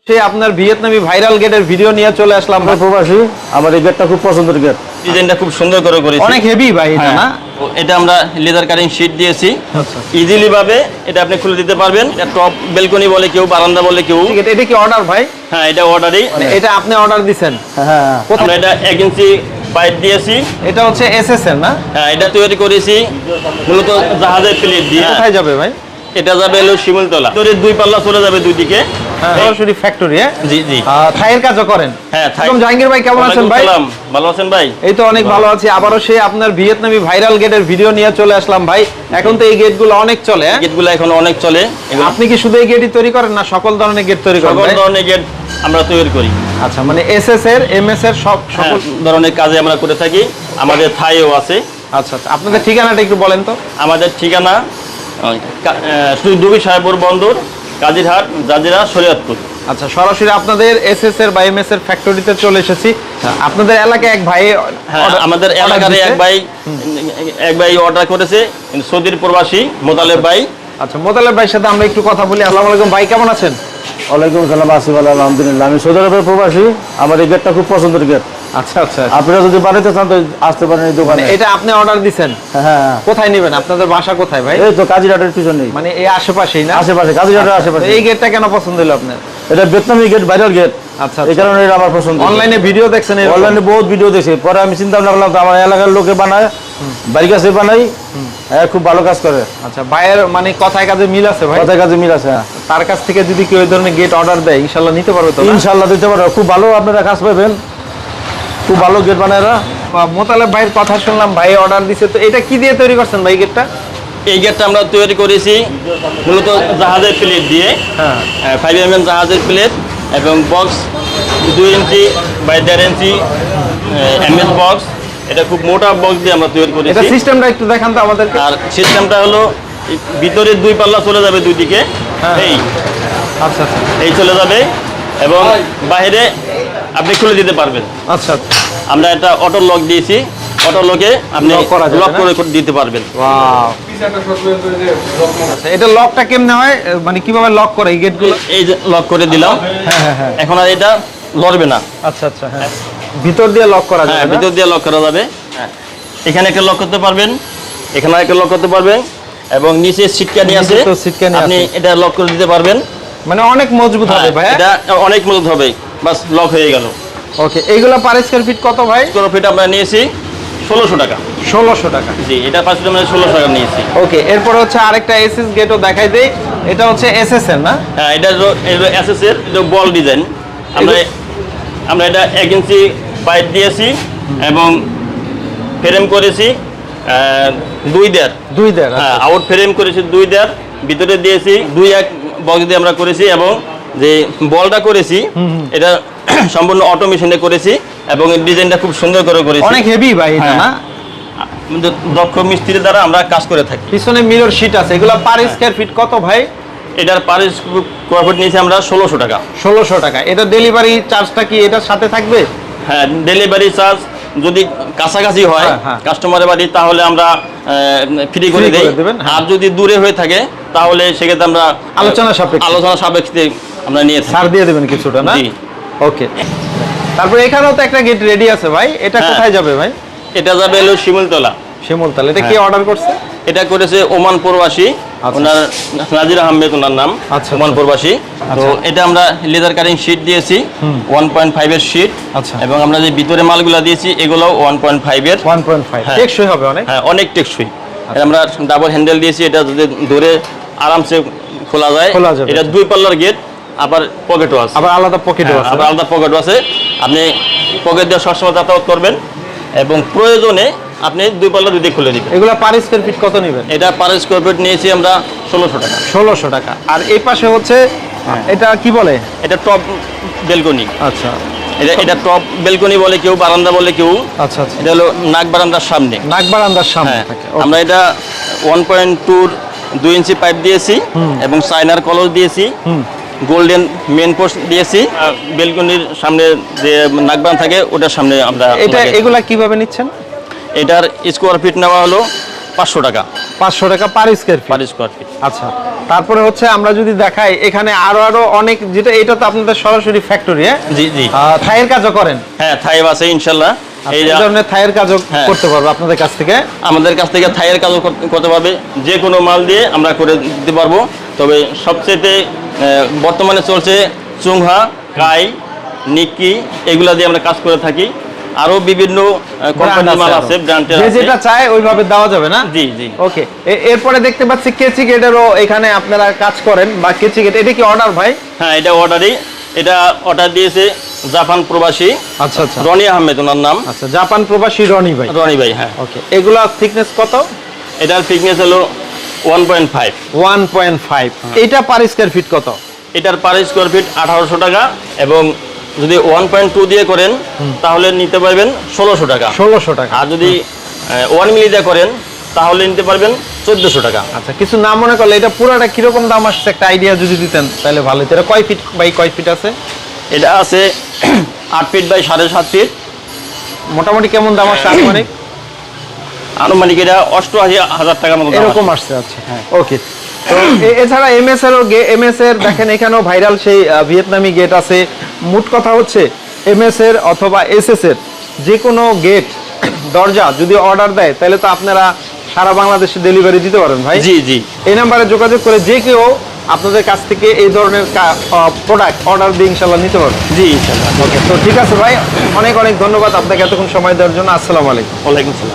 সে আপনার ভিয়েতনামি ভাইরাল গেটের ভিডিও নিয়ে চলে আসলাম ভাই প্রবাসী। আমার এই গেটটা খুব পছন্দের গেট, ডিজাইনটা খুব সুন্দর করে করেছি, অনেক হেভি ভাই এটা না? এটা আমরা লেদার কাটিং শীট দিয়েছি, আচ্ছা ইজিলি ভাবে এটা আপনি খুলে দিতে পারবেন। এটা টপ বেলকনি বলে কেউ, বারান্দা বলে কেউ। এটা কি অর্ডার ভাই? হ্যাঁ, এটা অর্ডারই। এটা আপনি অর্ডার দিবেন? হ্যাঁ আমরা এটা 1 ইঞ্চি পাইপ দিয়েছি। এটা হচ্ছে এসএস এর না? হ্যাঁ, এটা তৈরি করেছি মূলত জাহাজের প্লেট দিয়ে। কোথায় যাবে ভাই? এটা যাবে হলো শিমুলতলা, তোরে 2 পাল্লা চলে যাবে দুই দিকে। সরাসরি ফ্যাক্টরি। জি জি। থাইয়ের কাজও করেন? হ্যাঁ, একদম। জাহাঙ্গীর ভাই কেমন আছেন ভাই? ভালো আছেন ভাই? এই তো অনেক ভালো আছি। আবারও সে আপনার ভিয়েতনামি ভাইরাল গেটের ভিডিও নিয়ে চলে আসলাম ভাই। এখন তো এই গেটগুলো অনেক চলে। গেটগুলো এখন অনেক চলে। আপনি কি শুধু এই গেটই তৈরি করেন না সকল ধরনের গেট তৈরি করেন? সকল ধরনের গেট আমরা তৈরি করি। আচ্ছা, মানে এসএস এর, এমএস এর সকল ধরনের কাজে আমরা করে থাকি। আমাদের থাইও আছে। আচ্ছা আচ্ছা, আপনাদের ঠিকানাটা একটু বলেন তো। আমাদের ঠিকানা দুবি সাহেবপুর বন্দর, কাজিরহাট, জাজিরা, শরীয়তপুর। আচ্ছা, সরাসরি আপনাদের এসএস এর বা এমএস এর ফ্যাক্টরিতে চলে এসেছি। আপনাদের এলাকায় এক ভাই, আমাদের এলাকার এক ভাই অর্ডার করেছে, সৌদির প্রবাসী মোতালেব ভাই। আচ্ছা, মোতালেব ভাইয়ের সাথে আমরা একটু কথা বলি। আসসালামু আলাইকুম ভাই, কেমন আছেন? ওয়ালাইকুম আসসালাম, আছি ভালো আলহামদুলিল্লাহ। আমি সৌদি আরবের প্রবাসী। আমার এই গেটটা খুব পছন্দের গেট। আচ্ছা আচ্ছা, আপনারা যদি বানাইতে চান তো আসতে পারেন এই দোকানে। এটা আপনি অর্ডার দিবেন? হ্যাঁ। কোথায় নেবেন? আপনাদের বাসা কোথায় ভাই? এই তো কাজিরহাটের পিছনে, মানে এই আশেপাশেই না? আশেপাশে, কাজিরহাটের আশেপাশে। এই গেটটা কেন পছন্দ হলো আপনার? এটা ভিয়েতনামি গেট, ভাইরাল গেট। আচ্ছা, এই কারণে এটা আমার পছন্দ। অনলাইনে ভিডিও দেখছেন? অনলাইনে বহুত ভিডিও দেখছি, পরে আমি চিন্তা ভাবনা করলাম তো আমার এলাকার লোকে বানায়, বাড়ির কাছে বানাই, হ্যাঁ খুব ভালো কাজ করে। আচ্ছা, ভাইয়ের মানে কথায় কাজে মিল আছে ভাই? কথায় কাজে মিল আছে। তার কাছ থেকে যদি কেউ এই ধরনের গেট অর্ডার দেয় ইনশাআল্লাহ নিতে পারবে তো? ইনশাআল্লাহ দিতে পারবো। খুব ভালো আপনারা কাজ পাবেন, খুব ভালো গেট বানায়। মোতালেব ভাইয়ের কথা শুনলাম, ভাই অর্ডার দিছে। তো এটা কি দিয়ে তৈরি করছেন ভাই গেটটা? এই গেটটা আমরা তৈরি করেছি মূলত জাহাজের প্লেট দিয়ে। 5mm জাহাজের প্লেট এবং box 2 inch by 1.5 inch MS box. এটা খুব মোটা বক্স দিয়ে আমরা তৈরি করেছি। এটা সিস্টেমটা একটু দেখান তো আমাদেরকে। আর সিস্টেমটা হলো ভিতরে 2 পাল্লা চলে যাবে দুই দিকে। এই আচ্ছা আচ্ছা, এই চলে যাবে এবং বাইরে আপনি খুলে দিতে পারবেন। আচ্ছা, আমরা একটা অটো লক দিয়েছি, অটো লকে আপনি লক করে দিতে পারবেন। ওয়াও, আচ্ছা, এটা লকটা কেমনে হয়, মানে কিভাবে লক করে এই গেটগুলো? এই যে লক করে দিলাম। হ্যাঁ, এখন আর এটা লড়বে না। আচ্ছা আচ্ছা, হ্যাঁ, ভিতর দিয়ে লক করা হ্যাঁ, যাবে? ভিতর দিয়ে লক করা যাবে। এখানে একটা লক করতে পারবেন, এখানে একটা লক করতে পারবেন এবং নিচে সিটকানি আছে, আপনি এটা লক করে দিতে পারবেন। মানে অনেক মজবুত হবে ভাই? এটা অনেক মজবুত হবে, বাস লক হয়ে গেল। ওকে, এইগুলা পার স্কয়ার ফিট কত ভাই? স্কয়ার ফিট আমরা নিয়েছি 1600 টাকা। 1600 টাকা? জি, এটা 5 ফিট আমরা 1600 টাকা নিয়েছি। ওকে, এরপর হচ্ছে আরেকটা এসএস গেটও দেখাই দেই। এটা হচ্ছে এসএস এর না? হ্যাঁ, এটা এসএস এর, এটা বল ডিজাইন। আমরা এটা 1 ইঞ্চি পাইপ দিয়েছি এবং ফ্রেম করেছি 2.5। হ্যাঁ, আউট ফ্রেম করেছি 2.5, ভিতরে দিয়েছি 2.1 বক্স দিয়ে আমরা করেছি এবং যে বলটা করেছি এটা সম্পূর্ণ অটোমেশনে করেছি এবং ডিজাইনটা খুব সুন্দর করে করেছি। অনেক হেভি ভাই এটা না? দক্ষ মিস্ত্রির দ্বারা আমরা কাজ করে থাকি। পিছনে মিরর শীট আছে। এগুলা পার স্কয়ার ফিট কত ভাই? এটার পার স্কয়ার ফিট নিয়েছি আমরা 1600 টাকা। 1600 টাকা। এটা ডেলিভারি চার্জটা কি এটার সাথে থাকবে? হ্যাঁ, ডেলিভারি চার্জ যদি কাছাকাছি হয় কাস্টমারের বাড়ি তাহলে আমরা ফ্রি করে দেই। আর যদি দূরে হয়ে থাকে তাহলে সেক্ষেত্রে আমরা আলোচনা সাপেক্ষে আমরা নিয়ে থাকি। ছাড় দিয়ে দেবেন কিছুটা না? ওকে, তারপর এখানেও তো একটা গেট রেডি আছে ভাই। এটা কোথায় যাবে ভাই? এটা যাবে হলো শিমুলতলা। শিমুলতলা। এটা কি অর্ডার করছে? এটা করেছে ওমান প্রবাসী, ওনার নাজির আহমেদ ওনার নাম। ওমান প্রবাসী। তো এটা আমরা লেদার কাটিং শীট দিয়েছি 1.5 এর শীট। আচ্ছা, এবং আমরা যে ভিতরে মালগুলো দিয়েছি এগুলো 1.5 এর। 1.5 টেকসই হবে অনেক? হ্যাঁ, অনেক টেকসই। আমরা ডাবল হ্যান্ডেল দিয়েছি, এটা যদি ধরে আরামসে খোলা যায়। এটা 2 পাল্লার গেট, আবার পকেটও আছে, আবার আলাদা পকেটও আছে। আবার আলাদা পকেটও আছে। আপনি পকেট দিয়ে সবসময় যাতায়াত করবেন এবং প্রয়োজনে আপনি 2 পাল্লা দুই দিকে খুলে দিবেন। এগুলা পার স্কয়ার ফিট কত নেবেন? এটা পার স্কয়ার ফিট নিয়েছি আমরা 1600 টাকা। 1600 টাকা। আর এই পাশে হচ্ছে এটা কি বলে? এটা টপ বেলকনি। আচ্ছা, এটা টপ বেলকনি বলে কেউ, বারান্দা বলে কেউ। আচ্ছা আচ্ছা, এটা হলো নাক বারান্দার সামনে। নাক বারান্দার সামনে থাকে। আমরা এটা 1.2 ইঞ্চি পাইপ দিয়েছি এবং চাইনার কলস দিয়েছি, গোল্ডেন মেন পোস্ট দিয়েছি। বেলকনির সামনে যে নাকবান থাকে ওটার সামনে আমরা। এগুলা কিভাবে নিচ্ছেন? এটার স্কোয়ার ফিট নেওয়া হলো 500 টাকা। 500 টাকা per square feet. Per square feet. আচ্ছা, তারপরে হচ্ছে আমরা যদি দেখাই এখানে আরো অনেক, যেটা এটা তো আপনাদের সরাসরি ফ্যাক্টরি, হ্যাঁ? জি জি। থাইয়ের কাজও করেন? হ্যাঁ, থাইব আছে ইনশাল্লাহ। এই ধরনের থাইয়ের কাজও হ্যাঁ। করতে পারবো আপনাদের কাছ থেকে? আমাদের কাছ থেকে থাইয়ের কাজও করতে পারবে, যে কোনো মাল দিয়ে আমরা করে দিতে পারবো। তবে সবচেয়ে বর্তমানে চলছে চুংহা, কাই, নিক্কি, এগুলা দিয়ে আমরা কাজ করে থাকি। আরো বিভিন্ন কোম্পানির মাল আছে, ব্র্যান্ডের যে আছে। যেটা চায় ওইভাবে দেওয়া যাবে না? জি জি। ওকে, এরপরে দেখতে পাচ্ছি কেচি গেটেরও এখানে আপনারা কাজ করেন, বা কেচি গেট, এটা কি অর্ডার ভাই? হ্যাঁ, এটা অর্ডারই। এটা অর্ডার দিয়েছে জাপান প্রবাসী আচ্ছা আচ্ছা রনি আহমেদ, ওনার নাম। আচ্ছা, জাপান প্রবাসী রনি ভাই। রনি ভাই, হ্যাঁ। ওকে, এগুলা থিকনেস কত? এটার থিকনেস হলো 1.5। 1.5। এটা পার স্কয়ার ফিট কত? এটার পার স্কোয়ার ফিট 1800 টাকা, এবং যদি 1.2 দিয়ে করেন তাহলে নিতে পারবেন 1600 টাকা। 1600 টাকা। আর যদি 1 মিলি দিয়ে করেন তাহলে নিতে পারবেন 1400 টাকা। আচ্ছা, কিছু না মনে করলে এটা পুরোটা কিরকম দাম আসছে একটা আইডিয়া যদি দিতেন তাহলে ভালো হতো। এটা কয় ফিট বাই কয় ফিট আছে? এটা আছে 8 ফিট বাই 7.5 ফিট। মোটামুটি কেমন দাম আসছে আনুমানিক? আনুমানিক এটা 88,000 টাকার মতো দাম এরকম আসে। আসছে। আচ্ছা, ওকে। তো এছাড়া এমএস এর দেখেন এখানেও ভাইরাল সেই ভিয়েতনামি গেট আছে। মোট কথা হচ্ছে এমএস এর অথবা এসএস এর যে কোনো গেট দরজা যদি অর্ডার দেয় তাহলে তো আপনারা সারা বাংলাদেশে ডেলিভারি দিতে পারেন ভাই। জি জি। এই নাম্বারে যোগাযোগ করে যে কেউ আপনাদের কাছ থেকে এই ধরনের প্রোডাক্ট অর্ডার দিয়ে ইনশাল্লাহ নিতে পারবে। জি ইনশাআল্লাহ। ওকে, তো ঠিক আছে ভাই, অনেক অনেক ধন্যবাদ আপনাকে এতক্ষণ সময় দেওয়ার জন্য। আসসালামু আলাইকুম। ওয়ালাইকুম আসসালাম।